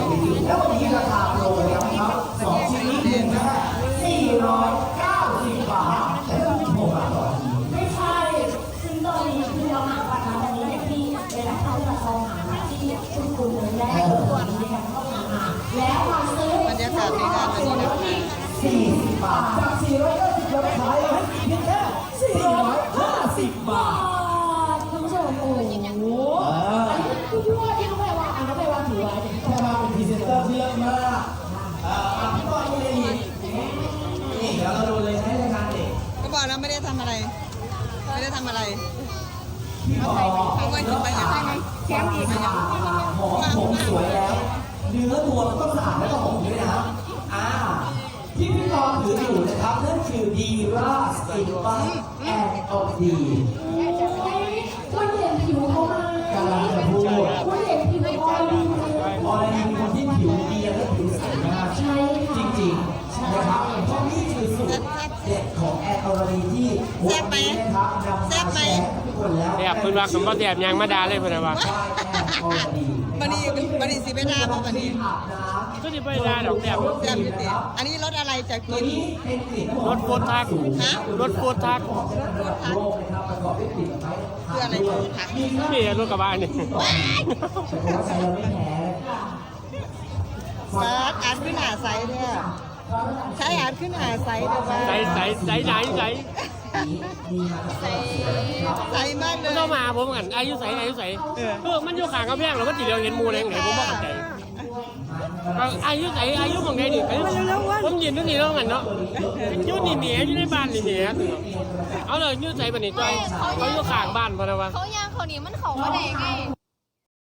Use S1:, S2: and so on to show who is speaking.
S1: แล้ววันนี้ราคาโปรแล้วครับ2ชิ้นนี้นะฮะ490 บาทแต่ต้องโทรมาต่อที
S2: ไม่ใช่ซึ่งตอนนี้คือเราหาบัตรมาวันนี้เนี่ยพี่เวลาเข้ามาลองหามาที่คุณเลยและให้ตัวนี้กันเข้ามาแล้วมาซื้อบรรยากาศในงานวันนี้นะคะ
S1: 40 บาทจาก490เราขายให้เพียงแค่450 บาท
S2: คุณผู้ชมโอ้โหอันนี้คือพี่ว่าที่น้องแพรวาน้องแพรวาถือไว้
S1: แพรวาเป็นพรีเซนเตอร์ที่เลิศมากพี่บอลนี่นี่เดี๋ยวเราดูเลยให้รายการเด็ก
S3: ก็บอกแล้วไม่ได้ทำอะไรไม่ได้ทำอะไร
S1: พี่บอล
S3: เขาว่ากินไปอย่างไร
S1: แก้มอีกหอมผมสวยแล้วเนื้อตัวมันก็สะอาดแล้วก็หอมด้วยนะที่พี่บอลถืออยู่นะครับนั่นคือดีราสตินบัสแอนด์ออดี
S2: คุณเห็นผิวเขามาก
S1: ำลังจะพูด
S2: คุณเห็นผิวเขาดี
S1: ออดีเป็นคนที่ผิวดีและผิวใสมาก
S2: ใช่
S1: จริงๆนะครับเพราะนี่คือสูตรเด็ดของแอนออดีที่
S3: แซ่บไหมแซ่บไหม
S4: แอบคุณว่าคำว่าแอบยังมาดาเลยเพื่อนว่า
S3: บันนี้สิไปดาบ่บันนี้
S4: ก็จะไปดาดอกแอบ
S3: แซ่บอยู่ติอันนี้รถอะไรจะกิน
S4: รถโฟร์ทักรถโฟร์ทัก
S3: คืออะไรทัก
S4: นี่รถกระบะนี่
S3: ซาดอ่านขึ้นหาไซเนี่ยใช้อ่านขึ้นหาไซเดี๋ยวว่า
S4: ใส่
S3: ใส่มากเลย
S4: ต้องมาผมกันอายุใส่มันอยู่ข้างกำแพงเราก็จีเดียวเห็นมูเลยไหนผมบอกใจอายุของไงดิผมยืนตรงนี้แล้วกันเนาะยืนนี่เหนียอยู่ในบ้านนี่เหนียเอาเลยยืนใส่ปนิจอยเขาอยู่ข้างบ้านพอนะวะ
S5: เขาย่างเขานี่มันเขาว่าไง